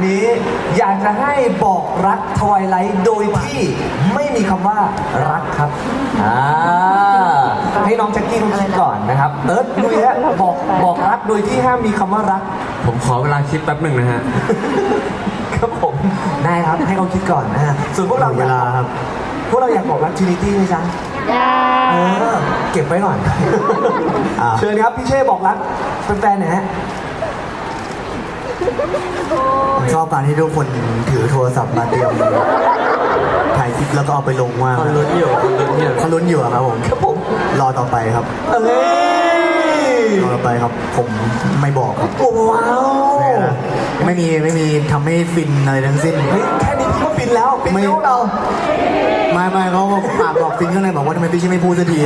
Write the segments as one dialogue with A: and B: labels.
A: นี้อยากจะให้บอกรักทวายไลท์โดยที่ไม่มีคำว่ารักครับให้น้องแจ็คกี้เขาคิดก่อนนะครับเติร์ดลุยฮะบอกรักโดยที่ห้ามมีคำว่ารัก
B: ผมขอเวลาคิดแป๊บหนึ่งนะฮะ
A: ครับผมได้ครับให้เขาคิดก่อนนะฮะส่วนพวกเราเวลาครับพวกเราอยากบอกรักทรินิตี้ไหมจ๊ะเก็บไว้หน่อยเชิญครับพี่เช่บอกรักแฟนๆหน่อยฮะ
C: ชอบการที่ทุกคนถือโทรศัพท์มาเตรียมถ่ายคลิปแล้วก็เอาไปลงว่า
B: คนลุ้นอยู่
C: ครับผมรอต่อไปครับรอต่อไปครับผมไม่บอกครับ
A: ว้าว
C: ไม่มีทำให้ฟินอะไรทั้งสิ้น
A: แค่นี้พี่ก็ฟินแล้วฟินแล้วเรา
C: ไม่เขาปากบอกฟินข้างในบอกว่าทำไมพี่ชิไม่พูดสักที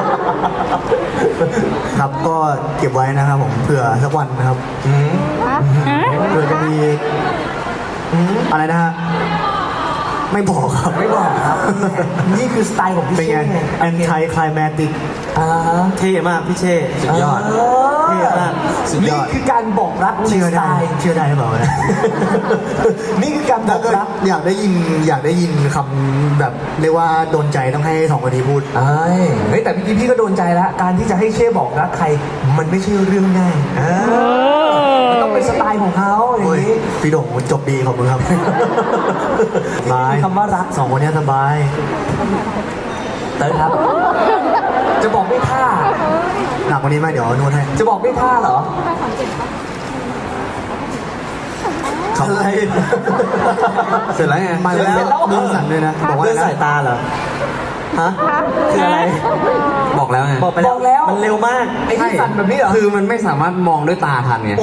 C: ครับก็เก็บไว้นะครับผมเผื่อสักวันนะครับเผื่อจะมีอะไรนะฮะไม่บอกครับ
A: นี่คือสไตล์ของพี่เช่ไง
C: anti climatic
A: เท่มากพี่เช่
B: สุดยอด
A: เท่มากนี่คือการบอกรักในสไตล์
C: เชื่อได้หรือเปล่า
A: นี่คือการบอกรัก
C: อยากได้ยินคำแบบเรียกว่าโดนใจต้องให้2คนนี้พูด
A: เฮ้ยแต่พี่ก็โดนใจแล้วการที่จะให้เช่บอกรักใครมันไม่ใช่เรื่องง่ายมันต้องเป็นสไตล์ของเขาอย่างนี้
C: พี่โด่งจบดีขอบคุณครับ
A: สบายคำว่ารัก
C: 2คนนี้สบาย
A: เติร์ดครับจะบอกด้วยท่า
C: หนักกว่านี้ไหมเดี๋ยวนวดให้
A: จะบอกด้วยท่าเหรอ
C: อะไร
B: เสร็จแล้วไง
C: มาแล้วมือสั่นเลยนะ
A: บอกว่าสายตาเหรอฮะคืออะไร
B: บอกแล้วไง
A: บอกแล้วมันเร็วมากไอ้ที่สั่นแบบนี้เหรอ
B: คือมันไม่สามารถมองด้วยตาทันไง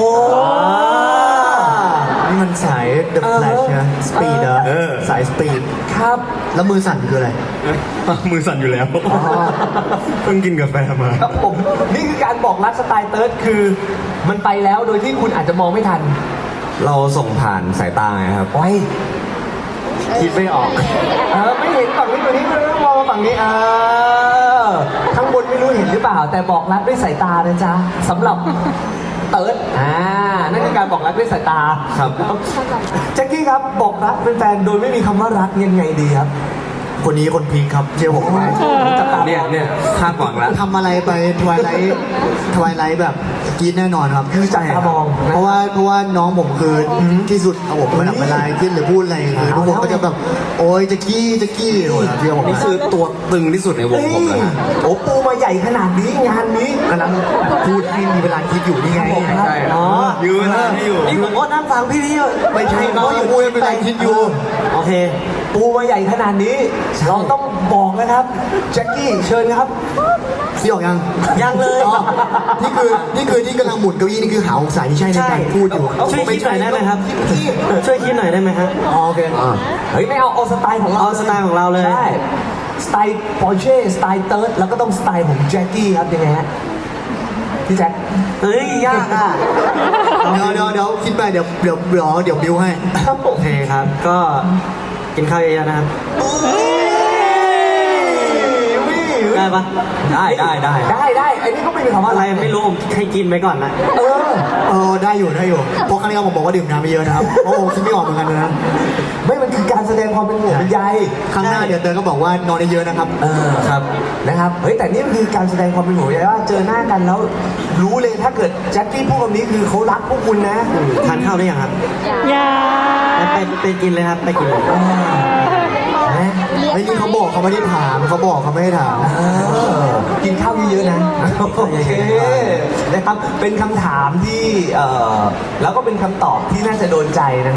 C: นี่มันสาย The Flash นะ Speed สาย Speed
A: ครับ
C: แล้วมือสั่นคืออะไร
B: มือสั่นอยู่แล้วเพิ่งกินกาแฟมา
A: ครับผมนี่คือการบอกรักสไตล์เติร์ดคือมันไปแล้วโดยที่คุณอาจจะมองไม่ทัน
B: เราส่งผ่านสายตาไงครับ
A: โอ้ยคิดไม่ออกไม่เห็นฝั่งนี้ตัวนี้ไม่ต้องมองฝั่งนี้ข้างบนไม่รู้เห็นหรือเปล่าแต่บอกรักด้วยสายตานะจ๊ะสำหรับเติร์ดนั่นคือการบอกรักด้วยสายตา
B: ครับ
A: แจ็คกี้ครับบอกรักเป็นแฟนโดยไม่มีคำว่ารักยังไงดีครับ
C: คนนี้คนพีคครับเชื่อผมไหม
B: เนี่ยคาดหวังแล้ว
C: ทำอะไรไปทวายไลท์แบบกีดแน่นอนครับ
A: คือจับตามอง
C: เพราะว่าน้องผมคือที่สุดครับผมเวลาคิดหรือพูดอะไรคือทุกคนก็จะแบบโอ๊ยจะกี้เชื่อผม
B: นี่คือตัวตึงที่สุดในวงผมเลยฮะ
A: โอ้ปูมาใหญ่ขนาดนี้งานนี้
C: กำลังพูดให้มีเวลาคิดอยู่นี่ไง
B: ใช่ยืนเวลาให้อยู่
A: นี่ผมก็นั่งฟังพี่
C: ไม่ใช่เขาอยู่พูดเป็นเวลาคิดอยู่
A: โอเคปูมาใหญ่ขนาดนี้เราต้องบอกนะครับแจ็คกี้เชิญครับ
C: พี่ออก
A: ยังเลย
C: นี่คือที่กำลังหมุนเก้าอี้นี่คือหาองศาที่ใช่ในการพูดอยู่
A: ช่วยคิดหน่อยได้ไหมครับช่วยคิดหน่อยได้ไหมครับ
C: โอเค
A: เฮ้ยไม่เอาสไตล์ของเรา
C: เอาสไตล์ของเราเลย
A: ใช่สไตล์ปอร์เช่สไตล์เติร์ดแล้วก็ต้องสไตล์ของแจ็คกี้ครับยังไงฮะพี่แจ็คเฮ้ยยากอ่ะ
C: เดี๋ยวคิดไปเดี๋ยวบิวให้
A: โอเคครับก็กินข้าวเยอะๆนะครับได้ปะได้ไอ้นี่ก็ไม่มีคำว่าอะไรไม่รู้ผมให้กินไปก่อนนะ
C: ได้อยู่เพราะครั้งนี้ผมบอกว่าดื่มน้ำไม่เยอะนะครับเพราะผมคิดไม่ออกเหมือนกันนะ
A: ไม่มันคือการแสดงความเป็นห่วงเป็นใย
C: ครั้งหน้าเดี๋ยวเติร์นก็บอกว่านอนเยอะนะครับ
A: ครับนะครับเฮ้ยแต่นี่คือการแสดงความเป็นห่วงใยว่าเจอหน้ากันแล้วรู้เลยถ้าเกิดแจ็คกี้พูดคำนี้คือเขารักพวกคุณนะทานข้าวได้ยังครับยังไปกินเลยครับไปกินเลย
C: ไม่นี่เขาบอกเขาไม่ได้ถามเขาบอกเขาไม่ได้ถาม
A: กินข้าวเยอะๆนะโอเคนะครับเป็นคำถามที่แล้วก็เป็นคำตอบที่น่าจะโดนใจนะ